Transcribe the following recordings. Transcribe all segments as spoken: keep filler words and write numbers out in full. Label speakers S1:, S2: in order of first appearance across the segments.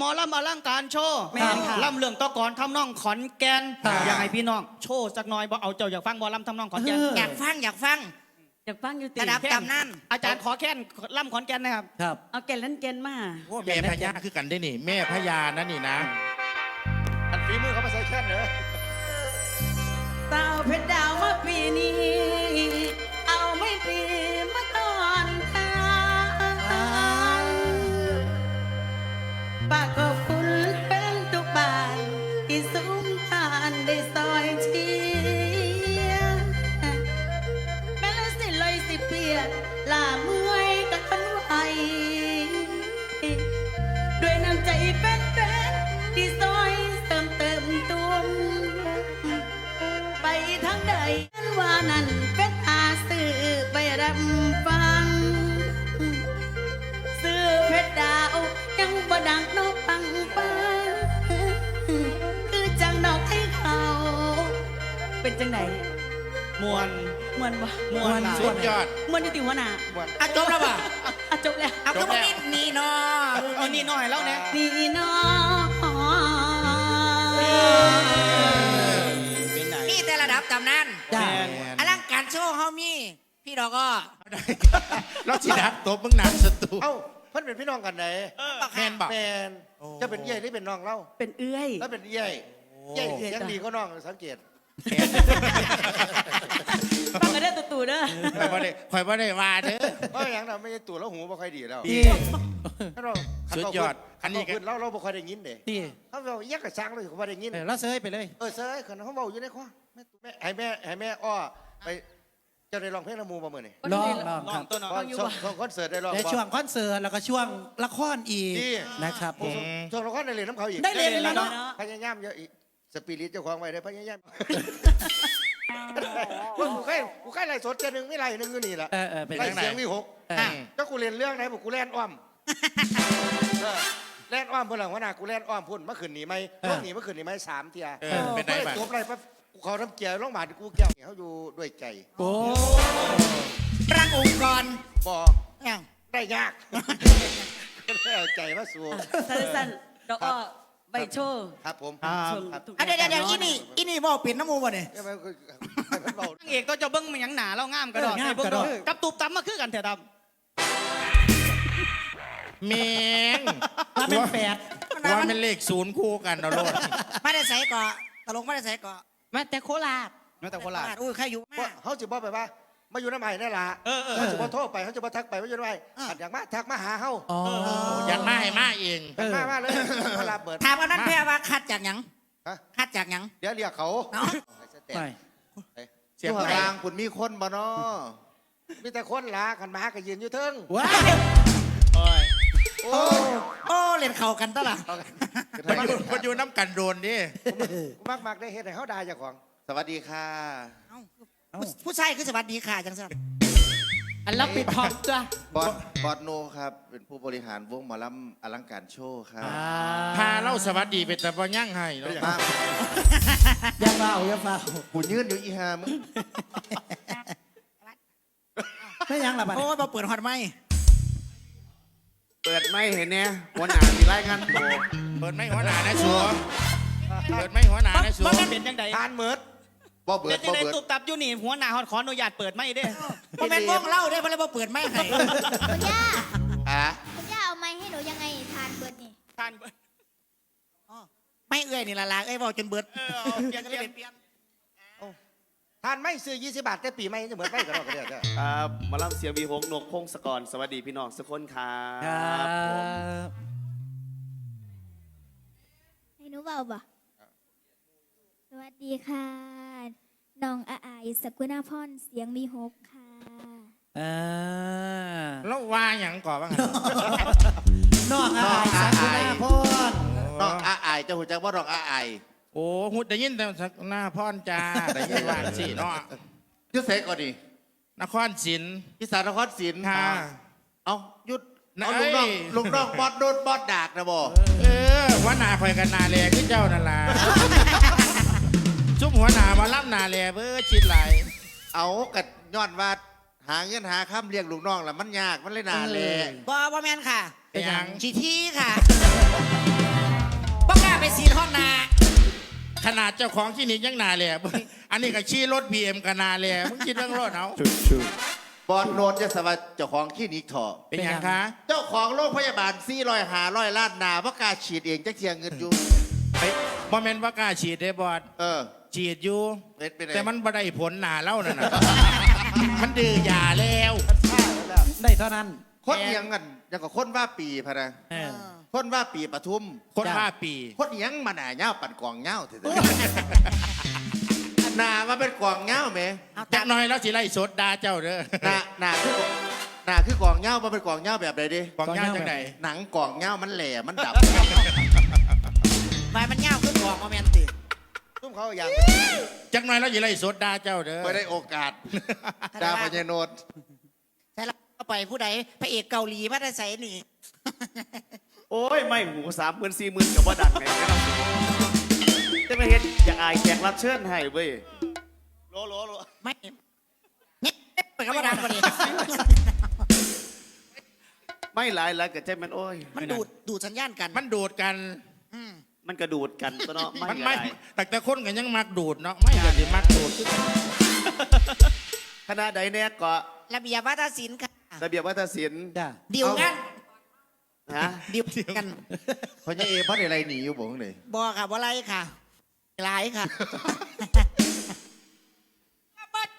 S1: อลำอลังการโชว์ลำเรื่องตะกอนทำนองขอนแก่นอยากให้พี่น้องโชว์สักหน่อยบ่เอาเจ้าอยากฟังหมอลำทำนองขอนแก่น
S2: อยากฟังอยากฟัง
S3: อยากฟังอยู่ติ
S2: ระดับตำนาน
S1: อาจารย์ขอแค่นลำขอนแก่นนะครับ
S3: ครับเอาแก่นเล่นแก่นมา
S4: โอ้แม่พญาคือกันได้นี่แม่พญานั่นนี่นะ
S5: อันฝีมือเขามาใส่แค่นเหรอ
S3: สาวเพชรดาวมาปีนี้เอาไม่ปีมาตอนทางปากก็ฝุ่นเป็นทุกบานที่ซุ้มทานได้ซอยเชียร์แม้ละสิลอยสิเปียกลาเมื่อยกันทนไหวด้วยน้ำใจเป็นเป็นที่ซอยเติมเติมตัวไปทางใดว่านั้นเป็นอาสื่อไปรับฟังซื้อเพชรดาวยังบ่ดังนกปังปังคือจังดอกให้เขาเป็นจังไหน
S1: มวน
S3: มวนบ่
S1: มวน
S4: สุดยอด
S3: มวนอยู่ติหัวหน้า
S2: อ่ะจบแล้วป่ะ
S3: อ่ะจบแล้ว
S2: เอาก็มานี่เนาะ
S1: เอานี่หน่อยแล้วเนี่ย
S3: นี่เนา
S2: นี่แต่ระดับตำนานอลังการโชว์เฮามีพี่ดอกก็
S4: เราจีดักตบมึงหนักศัตรู
S5: เอ้าเพิ่นเป็นพี่น้องกันไหน
S4: แมนบอก
S5: แมนจะเป็นเย่ที่เป็นน้องเล่า
S3: เป็นเอื้อย
S5: แล้วเป็นเย่เย่ยังดีก็น้องสังเกต
S3: ฟังกันได้ตัวตู่เด้อ
S4: คอยบ่ได้คอยบ่ได้ว่าเด้อ
S5: เพราะอย่างนั้นไม่ใช่ตัวแล้วหูบ่ค่อยดีแล้ว
S4: สุดยอด
S5: อันนี้กันเราเราบ่ค่อยได้ยินเด้เขาบอกยักกระชังเลยเขาบ่ได้ยิน
S4: แล้วเซยไปเลย
S5: เออเซยคนเขาบอกอยู่ในข้อแม่แม่ให้แม่ให้แม่อ้อไปจะได้ร้องเพลงละมูมาเมื่อนี่
S3: ร้อง
S1: ร้องครับ
S5: ช่วงคอนเสิร์ตได้ร้อง
S6: ในช่วงคอนเสิร์ตแล้วก็ช่วงละครอีกนะครับ
S5: ช่วงละครได้เรียนน้ำเขาอีก
S6: ได้เรียนแล้วเนาะ
S5: พยายามเยอะอีกสปิริตเจ้าของไว้ได้พยายามว่ากูแค่กูแค่ไรสดเจนึงไม่ไรนึงอยู่นี่แหละไรเสียงวิหกก็กูเรียนเรื่องไหนบอกกูแล่นอ้อมแล่นอ้อมเพื่อนหลังว่านากูแล่นอ้อมพุ่นเมื่อคืนหนีไหมเมื่อหนีเมื่อคืนหนีไหมสามเทีย
S4: เป็นไงบ้าง
S5: ตัวอะไรปั๊บกูเขาทำเกียร์ร้องบาดกูเกี่ยวเขาอยู่ด้วยใจ
S6: โอ้
S2: รังองค์กร
S5: บอกได้ยากได้เอาใจมาสู้
S3: สั้นๆดอกอ้อใบโชว์
S5: ครับผม
S2: เดี๋ยวเดี๋ยวอินี่อินี่บอกเปลี่ยนน้ำมูบ่เนี่ย
S1: นางเอกก็จะเบิ้งมันยังหนาแล้วง่ามกระดอกกับตูบตั้มมาคือกันเถอะด
S4: ำเมง
S6: ว่าเป็นแปด
S4: ว่าเป็นเลขศูนย์คู่กันเราโลด
S2: ไม่ได้ใส่ก่อตลกไม่ได้ใส่ก่อ
S3: มาแต่โคราช
S1: มาแต่โคราช
S2: อุ้ยใครอยู่
S5: เขาจะบอกไปว่ามาอยู่น้ำใหม่นั่นแหละเขาจะมาโทษไปเขาจะมาทักไปว่าอยู่น้ำใหม่อยากมาทักมาหาเขา
S4: อยากมาให้มาเอง
S5: มามาเลยมาลาเปิด
S2: ถามว่านั้นแพ้ว่าคัดจากยังคัดจากยัง
S5: เดี๋ยวเรียกเขา
S4: เสียง
S5: กลางคุณมีคนบ่เนาะมีแต่คนละกันมาก็ยืนอยู่เทิง
S6: ว้า
S4: โอ้ย
S2: โอ้โอ้เล่นเข่ากันตลอด
S4: มันอยู่มันอยู่น้ำกันโดนดิ
S5: มากมากได้เห็นให้เขาด่าเจ้าของสวัสดีค่ะ
S2: ผู้ชายคือสวัสดีค่ะจังสัน
S3: อันรับปิดทองจ้ะ
S5: บอสบอสโนครับเป็นผู้บริหารวงหมอลำอลังการโชว์ครับ
S4: พาเล่าสวัสดีเป็นแต่บ่ยั่งให้เนาะ
S6: อย่าเฝ้าอย่าเฝ้า
S5: กูยืนอยู่อีหามึง
S6: ไม่ยังละบัด
S2: โอ้ยมาเปิดฮอตไหม
S5: เปิดไม่เห็นเนี่ยหัวหน้ามีรายงานโต
S4: เปิดไม่หัวหน้านะชัวเปิดไม่หัวหน้านะชัว
S1: เป็นยังไง
S5: ทานเมิดบ่เบิด
S1: บ่เบิดตูบตับอยู่นี่หัวหน้าขออนุญาตเปิดไม่ได้
S2: เพราะแม่วงเล่าได้เพราะอะไรบ่เปิดไม่ให้
S7: คุณย่า
S5: อ่ะ
S7: คุณย่าเอาไม้ให้หนูยังไงทานเบิดนี่
S1: ทานเบิด
S2: ไม่เอื้อยนี่ละลาเอ้ยบอกจนเบิด
S1: เปลี่ยนเปลี่ยนเปลี่ยน
S5: ทานไม่ซื้อยี่สิบบาทแต่ปีไม่จะเหมือนไม่กันหรอกเดี๋ยว
S8: ครับมาล่ำเสียงวีหงนกพงศกรสวัสดีพี่น้องทุกคนครับ
S7: ให้หนูเบาบ่สวัสดีค่ะน้องอาอายสกุณาพรเสียงมีหกค่ะ
S6: อ่า
S4: แล้วว่าอย่างก่อนบ้าง
S6: น้องอาอายสกุณาพร
S5: น้องอาอายจะหัวใจว่าน้องอาอาย
S4: โอ้หุ่นได้ยินแต่หน้าพ่อนจ้าได้ยินว่าสิเนาะ
S5: ยุดเสกก่อนดิ
S4: นครศิลป์
S5: พิสานครศิลป์
S4: ค่ะ
S5: เอายุดเอาลุงน้องลุงน้องบอดโดนบอดดากนะบ่
S4: เออหัวหน้าคอยกันนาแลที่เจ้านั่นล่ะซุ่มหัวหน้ามาล่ำนาแลเบอร์ชิดไหล
S5: เอากัดย้อนว่าหาเงินหาค้ำเลี้ยงลูกน้องล่ะมันยากมันเลยนาแล
S2: บ่บ่แมนค่ะ
S4: เป็นยัง
S2: ชีที่ค่ะไปสีห้องนา
S4: ขนาดเจ้าของคลินิกยังนาเลยอันนี้ก็ชี้รถบีเอ็มกันนาเลยมึงคิดเรื่องรถเอา
S9: บอลโนนจะสวัสดิ์เจ้าของคลินิกเถอะ
S4: เป็นยังคะ
S9: เจ้าของโรงพยาบาลซี่รอยหาร้อยล้านนาว่ากล้าฉีดเองจะเทียงเงินอยู่
S4: ไอ้บอมเมนว่ากล้าฉีดได้บอด
S9: เออ
S4: ฉีดอยู่
S9: เป็นเป็นไง
S4: แต่มันบ่ได้ผลหนาเล่านั่นน่ะ มันดื้อยาแล้ว
S6: ได้เท่านั้น
S9: คนเอียงกันยังกับคนว่าปีพะนะ
S6: เออ
S9: คนว่าปีปทุม
S4: คนห้าปี
S9: คนเอียงมาหนาเงาปั่นกองเงาเถอะหนามาเป็นกองเงาไหม
S4: จักหน้อยแล้วสิไล่สดดาเจ้าเด้อ
S9: หนาหนาคือหนาคือกองเงามาเป็นกองเงาแบบใดดิ
S4: กองย่างจังไหน
S9: หนังกองเงามันแหล่มันดับ
S2: ไม้มันเงาขึ้นหัวโมเมนติ
S5: ตุ้มเขาอย่าง
S4: จักหน้อยแล้วสิไล่สดดาเจ้าเด้อ
S9: ไม่ได้โอกาสดาพญโนด
S2: ใช่แล้วก็ไปผู้ใดพระเอกเกาหลีมาได้ใส่นี่
S8: โอ้ย ไม่หูสามหมื่นสี่หมื่นกับว่าดังไงไม่ต้องจะมาเห็นอยากอายแขกรับเชิญให้เว้ยโลโลโล
S2: ไม่เนี่ยไปกับว่าดังกว่านี้
S8: ไม่หลายแล้วก็ใจมันโอ้ย
S2: มันดูดดูดสัญญาณกัน
S4: มันดูดกัน
S2: อืม
S8: มันกระดูดกันตัวเนาะไม่
S4: มัน
S8: ก็
S4: ไม่
S8: ได้
S4: แต่แต่คนกันยังมักดูดเนาะไม่ก็สิมักดูดคือกัน
S8: คณะใดเนี่ยก็
S2: ระเบียบวัฒนศิลป์ค่ะ
S8: ระเบียบวัฒนศิลป์
S6: จ้า
S2: ดิวงาน
S8: ฮะ
S2: ดิวกัน
S9: พญเอพัดอะไรหนีอยู่บ่งเลย
S2: บอค่ะบ่ไรค่ะหลายค่ะบ้าโจ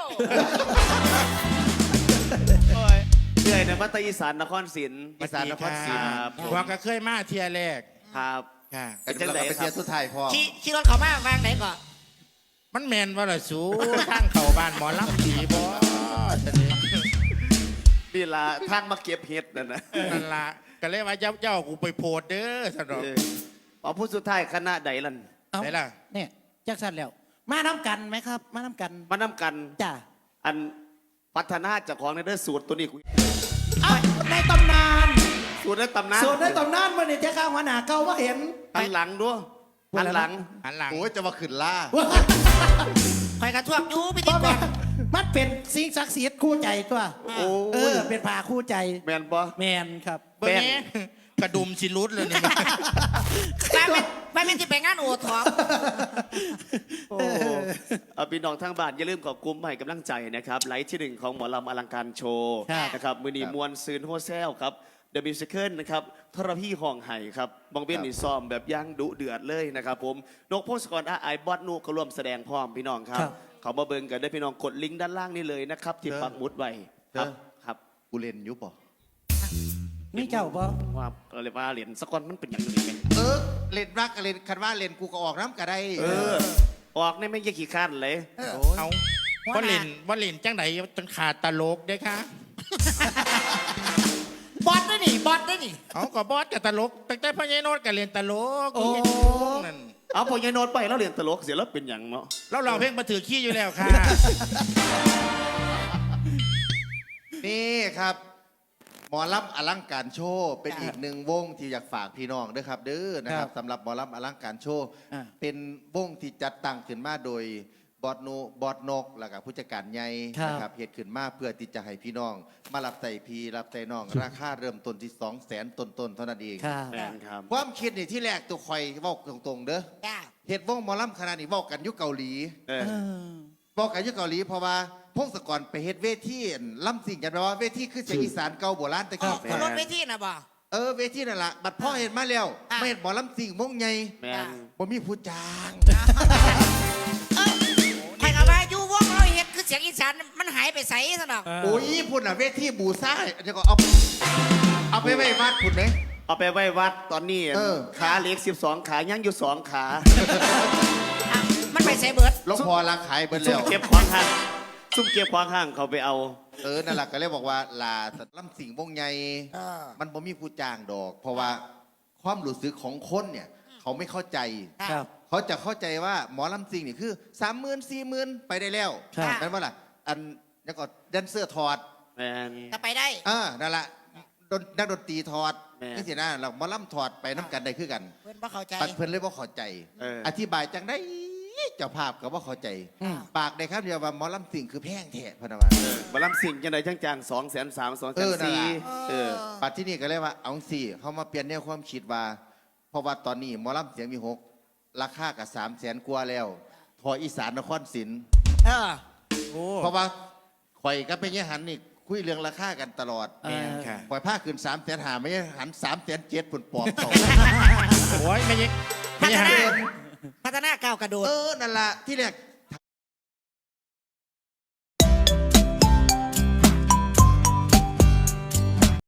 S8: โอ้ยเหนื่อยนะมัตอีสานนครศรี
S9: อีสานนครศรี
S8: ครับ
S4: ว่าก็เคยมาเทียแรก
S8: ครับ
S4: ค่ะ
S9: กันจังไดไปเที่ยวสุดท้ายพ่อ
S2: ขี่ขี่รถเขามาวางไหนก่อน
S4: มันแมนว่าละสูทางเข้าบ้านหมอลำผีบ่จะนี่
S8: นี่ละทางมาเก็บเห็ดนั่นนะ
S4: นั่นละก็เลยว่าเจ้าเจ้ากูไปโพดเด้อสนอง
S8: เอออ๋อผู้สุดท้ายคณะใดล่ะ
S6: เอา
S4: ไหนล่ะ
S6: เนี่ยจักสันแล้ว มาน้ำกันไหมครับ มาน้ำกัน
S8: มานำกัน
S6: จ้า
S8: อันพัฒนาจากของในเด้อสูตรตัวนี้กู
S6: เอาในตำนาน
S8: สูตรในตำนาน
S6: ส่วนในตำนานมันเนี่ยจะข้าวหัวหน้าเก่าว่าเห็น
S8: หันหลังด้วยหันหลัง
S4: หันหลัง
S9: โอ้ยจะมาขึ้นล่า
S2: คอยกระทวกอยูพิ
S6: เพ
S2: ธี
S6: ราะ
S2: ก
S6: ว่าร มันเป็นสิ่งศักดิ์สิทธิ์คู่ใจตัว
S8: โอ้
S6: เออย เป็นผ่าคู่ใจ
S8: แมนปะ
S6: แมนครับ
S4: เบิ่งแหน่กระดุมสิรุดเลยนี่
S2: ไปเป็นไปเป็นที่ไปงานโอทอป
S8: โอ้เอาพี่น้องทางบ้านอย่าลืมขอบคุณให้กำลังใจนะครับไลฟ์ที่หนึ่งของหมอลำอลังการโชว์
S6: ครับ
S8: นะครับมือนีมวลซืนโฮเซลครับเดอะมิวสิคลนะครับทรพี่ห้องไห่ครับบองเบี้ยนนี่ซ้อมแบบย่างดุเดือดเลยนะครับผมนกพงศกรอาไอบอสนูก็ร่วมแสดงพร้อมพี่น้องครับ เขามาเบิ่งกันได้พี่น้องกดลิงก์ด้านล่างนี่เลยนะครับ ที่ปักหมุดไว้ครับครับ
S9: กูเล่นอยุบป่ะ
S6: มีเจ้าบ่
S8: ว่าเราเรียกว่าเหรียญสกอนมันเป็นอย่างนี้ไง
S9: เออเล่นรักกับเล่นคันว่าเล่นกูก็ออกน้ำก็ได้
S8: เออ ออกนี่ไม่ยี่ขี้ข้านเลย
S4: เอาว่าเล่นว่าเล่นจังไหนจนขาดตลกเด้อค่ะ
S2: บอสได้หนิบอสได้หนิ
S4: เอาก็บอสกับตลกตั้งแต่พ่อใหญ่โนดกับเล่นตลก
S6: โอ้
S4: นั่น
S8: เอาพอยายโนดไปแล้วเรียนตลกเสียแล้วเป็นอย่างเนาะ
S4: เราลองเพลงมาถือขี้อยู่แล้วค่ะ
S9: นี่ครับ หมอลำอลังการโชว์เป็นอีกหนึ่งวงที่อยากฝากพี่น้องด้วยครับเด้อนะครับสำหรับหมอลำอลังการโชว์
S6: อ่า
S9: เป็นวงที่จัดตั้งขึ้นมาโดยบอดนูบอดนกแล้วก็ผู้จัดการใหญ่
S6: ครับ
S9: นะครับเหตุขึ้นมาเพื่อที่จะให้พี่น้อง มารับใส่พีรับใส่น้อง ราคาเริ่มต้นที่สองแสนต้นๆเท่านั้นเอง
S6: ครับ
S8: แมนครับ
S9: ความคิดนี่ที่แรกตัวคอยเว้าตรงๆเด้อ
S2: จ้า
S9: เหตุวงหมอลำขนาดนี้เว้ากันอยุคเกาหลี
S8: เออ
S6: เออ
S9: เว้ากันอยุคเกาหลีเพราะว่าพงศกรไปเฮ็ดเวทีอั่นล่ำสิ่งกันแปลว่าเวทีคือเสียงอีสานเก่าโบราณตะ
S2: อ๋อ
S9: กี้
S2: คนรถเวทีนะบ่
S9: เออเวทีนั่นแหละบัดพ่อเห็นมาแล้ว
S2: อ่ะ
S9: ไม่เห็นหมอลำสิ่งมงใหญ่
S8: แมน
S9: บ่มีผู้จ้าง
S2: เอ้ยใครกับว่าอยู่วงเราเห็ดคือเสียงอีสานมันหายไปใส่ซะดอก
S9: โอ้ยพุ่นอ่ะเวทีบูซ่าเดี๋ยวก็เอาเอาไปไว้วัดพุ่นไหม
S8: เอาไปไว้วัดตอนนี้
S9: เออ
S8: ขาเหล็กสิบสองขายังอยู่สองขา
S2: อ่ะมันไปใส่เบิด
S9: หลวงพ่อรักขายเบิด
S8: ซุ่
S9: แล้
S8: ม
S9: ว
S8: เก็บควางห้างซุ่มเก็บควางห้างเขาไปเอา
S9: เออนั่นแหละก็เลยบอกว่าลาสัตว์ลำสิ่งวงใหญ่
S2: เออ
S9: มันบ่มีผู้จ้างดอก เพราะว่าความรู้สึกของคนเนี่ย เขาไม่เข้าใจ
S6: ครับ
S9: เขาจะเข้าใจว่าหมอลำซิงนี่คือสามหมื่นสี่หมื่นไปได้แล้ว
S6: ครับ
S9: นั่นว่าล่ะ อันแล้วก็แดนเซอร์ถอด
S8: แมน
S2: ก็ไปได้
S9: อ่านั่นแหละดนนักดนตรีถอด
S8: แม่
S9: นี่สินะเราหมอลำถอดไปน้ำกันได้คือกัน
S2: เพื่อนบ่เข้าใจ
S9: ปัดเพิ่นเลยว่าเข้าใจ
S8: เออ
S9: อธิบายจังได้เจ้าภาพก็ว่าเข้าใจ
S6: อืม
S9: ปากได้ครับเดียวว่าหมอลำซิงคือแพงแท้พะนะว่า
S8: เออมาลำสิ่งจังไดจังจางสองแสนสามสองแส
S9: เอน อนั่น
S8: สี่
S9: ล่ะ
S8: เออ
S9: ปัดที่นี่ก็เลยว่าเอาสี่เขามาเปลี่ยนแนวความคิดว่า พราะว่าตอนนี้หมอลำเสียงมีหกราคากับสามแสนกว่าแล้วทออีสานนครศรี
S2: เออ
S4: โอ้
S9: เพราะว่าข่อยก็เป็นยหันนี่คุยเรื่องราคากันตลอด
S4: แม่นค่ะ
S9: ข่อยผ้าขึ้นสามแสนหาไม่ใช่หันสามแสนเจ็ดปุ่นปอบเขา
S4: โอ้ยไม่ยิง
S2: พั
S4: ไม่
S2: ฒ
S4: ยิง
S2: นาพัฒนาก้าวกระโดด
S9: เออนั่นละที่แรก